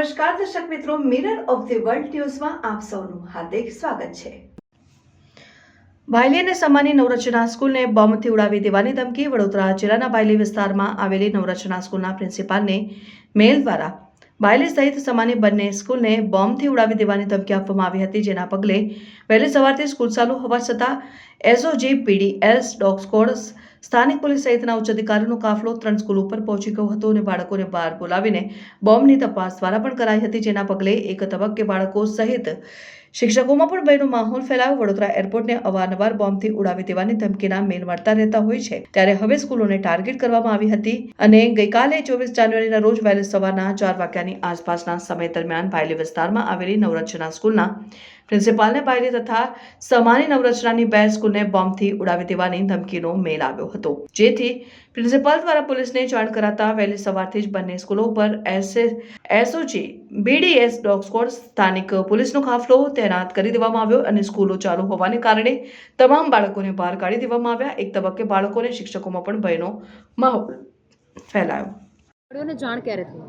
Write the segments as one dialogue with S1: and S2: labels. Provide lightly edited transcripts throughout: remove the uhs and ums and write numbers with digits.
S1: નમસ્કાર દર્શક મિત્રો, મિરર ઓફ ધ વર્લ્ડ ન્યૂઝમાં આપ સૌનું હાર્દિક સ્વાગત છે। બાયલી અને સમાની નવરચના સ્કૂલને બોમ્બથી ઉડાવી દેવાની ધમકી। વડોદરા જિલ્લાના બાયલી વિસ્તારમાં આવેલી નવરચના સ્કૂલના પ્રિન્સિપાલને મેલ દ્વારા બાયલી સહિત સમાની બંને સ્કૂલને બોમ્બથી ઉડાવી દેવાની ધમકી આપવામાં આવી હતી, જેના પગલે વહેલી સવારથી સ્કૂલ ચાલુ હોવા છતાં એસઓજી, પીડીએસ, ડોગ સ્ક્વોડ, સ્થાનિક પોલીસ સહિતના ઉચ્ચ અધિકારીઓનો કાફલો 3 સ્કૂલ ઉપર પહોંચી ગયો હતો અને બાળકોને બહાર બોલાવીને બોમ્બની તપાસ દ્વારા પણ કરાઈ હતી, જેના પગલે એક તબક્કે બાળકો સહિત શિક્ષકોમાં પણ ભયનો માહોલ ફેલાયો। વડોદરા એરપોર્ટને અવારનવાર બોમ્બથી ઉડાવી દેવાની ધમકીના મેલ મળતા રહેતા હોય છે, ત્યારે હવે સ્કૂલોને ટાર્ગેટ કરવામાં આવી હતી અને ગઈકાલે 24 જાન્યુઆરીના રોજ વહેલી સવારના 4 વાગ્યાની આસપાસના સમય દરમિયાન બાયલી વિસ્તારમાં આવેલી નવરચના સ્કૂલના પ્રિન્સિપાલને બાયલી તથા સમાની નવરચનાની 2 સ્કૂલને બોમ્બથી ઉડાવી દેવાની ધમકીનો મેલ આવ્યો હતો, જેથી પ્રિન્સિપાલ દ્વારા પોલીસને જાણ કરાતા વહેલી સવારથી જ બંને સ્કૂલો પર એસઓજી, બીડીએસ, ડોગ સ્ક્વોડ, સ્થાનિક પોલીસનો કાફલો તૈનાત કરી દેવામાં આવ્યો અને સ્કૂલો ચાલુ હોવાને કારણે તમામ બાળકોને બહાર કાઢી દેવામાં આવ્યા। એક તબક્કે બાળકોને શિક્ષકોમાં પણ ભયનો માહોલ ફેલાયો।
S2: जान क्या थी?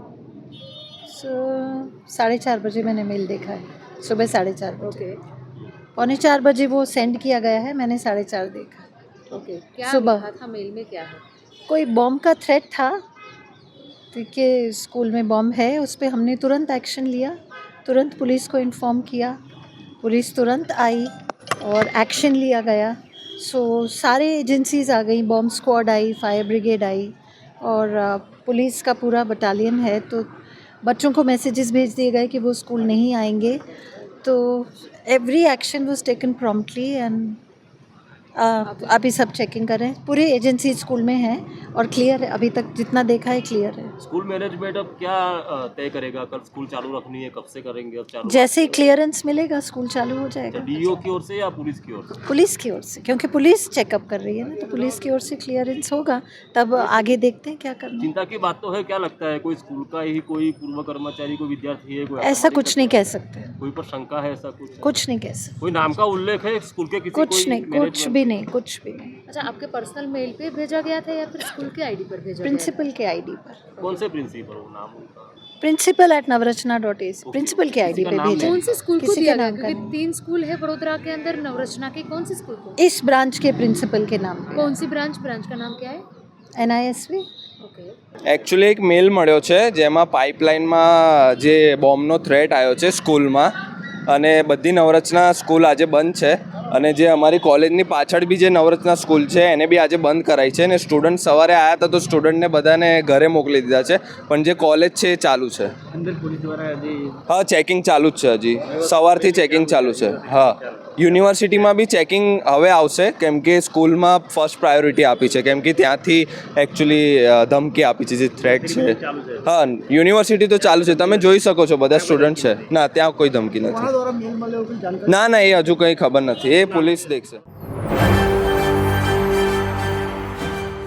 S3: 4:30 बजे मैंने मेल देखा है, सुबह 4:30 बजे।
S2: ओके
S3: 3:45 बजे वो सेंड किया गया है, मैंने 4:30 देखा।
S2: ओके क्या
S3: सुबह
S2: लिखा था मेल में? क्या है?
S3: कोई बॉम्ब का थ्रेट था कि स्कूल में बॉम्ब है, उस पर हमने तुरंत एक्शन लिया, तुरंत पुलिस को इन्फॉर्म किया, पुलिस तुरंत आई और एक्शन लिया गया। सो सारे एजेंसीज आ गई, बॉम्ब स्क्वाड आई, फायर ब्रिगेड आई और पुलिस का पूरा बटालियन है। तो बच्चों को मैसेजेस भेज दिए गए कि वो स्कूल नहीं आएंगे, तो every action was taken promptly and अभी सब चेकिंग कर रहे हैं। पूरे एजेंसी स्कूल में है और क्लियर है, अभी तक जितना देखा है क्लियर है।
S4: स्कूल मैनेजमेंट अब क्या तय करेगा? कल स्कूल चालू रखनी है, कब से करेंगे? अब चालू
S3: जैसे ही क्लियरेंस मिलेगा स्कूल चालू हो जाएगा।
S4: डीओ की ओर से या पुलिस की ओर से?
S3: पुलिस की ओर से, क्योंकि पुलिस चेकअप कर रही है ना, तो पुलिस की ओर से क्लियरेंस होगा, तब आगे देखते हैं क्या करना।
S4: चिंता की बात तो है, क्या लगता है कोई स्कूल का ही कोई पूर्व कर्मचारी, कोई विद्यार्थी है? कोई
S3: ऐसा कुछ नहीं कह सकते,
S4: कोई पर शंका है? ऐसा कुछ
S3: नहीं कह सकते,
S4: कोई नाम का उल्लेख है स्कूल के? किसी
S3: कुछ नहीं, कुछ भी नहीं, कुछ भी नहीं।
S2: अच्छा, आपके पर्सनल मेल पे भेजा गया था या फिर स्कूल के आईडी पर भेजा
S3: प्रिंसिपल के आईडी पर,
S4: कौन से प्रिंसिपल हो नाम उनका?
S3: principal@navrachana.ac, प्रिंसिपल के आईडी पे
S4: नाम
S3: भेजा।
S2: कौन से स्कूल को
S3: किसी
S2: दिया
S3: का
S2: गया?
S3: नाम
S2: क्योंकि
S3: का
S2: 3 स्कूल है वडोदरा के अंदर नवरचना के, कौन से स्कूल को?
S3: इस ब्रांच के प्रिंसिपल के नाम पे।
S2: कौन सी ब्रांच का नाम क्या है?
S3: NISV।
S2: ओके
S5: એકચ્યુઅલી એક મેલ મળ્યો છે જેમાં પાઇપલાઇનમાં જે બોમ્બનો થ્રેટ આવ્યો છે સ્કૂલમાં, અને બધી નવરચના સ્કૂલ આજે બંધ છે, અને જે અમારી કોલેજની પાછળ બી જે નવરચના સ્કૂલ છે એને બી આજે બંધ કરાઈ છે, અને સ્ટુડન્ટ સવારે આવ્યા હતા તો સ્ટુડન્ટને બધાને ઘરે મોકલી દીધા છે, પણ જે કોલેજ છે એ ચાલુ છે। હા, ચેકિંગ ચાલુ જ છે, હજી સવારથી ચેકિંગ ચાલુ છે। હા, યુનિવર્સિટીમાં બી ચેકિંગ હવે આવશે, કેમ કે સ્કૂલમાં ફર્સ્ટ પ્રાયોરિટી આપી છે, કેમ કે ત્યાંથી એકચ્યુઅલી ધમકી આપી છે જે થ્રેટ છે। હા, યુનિવર્સિટી તો ચાલુ છે, તમે જોઈ શકો છો બધા સ્ટુડન્ટ છે। ના, ત્યાં કોઈ ધમકી નથી। ના, એ હજુ કંઈ ખબર નથી, એ પોલીસ દેખશે।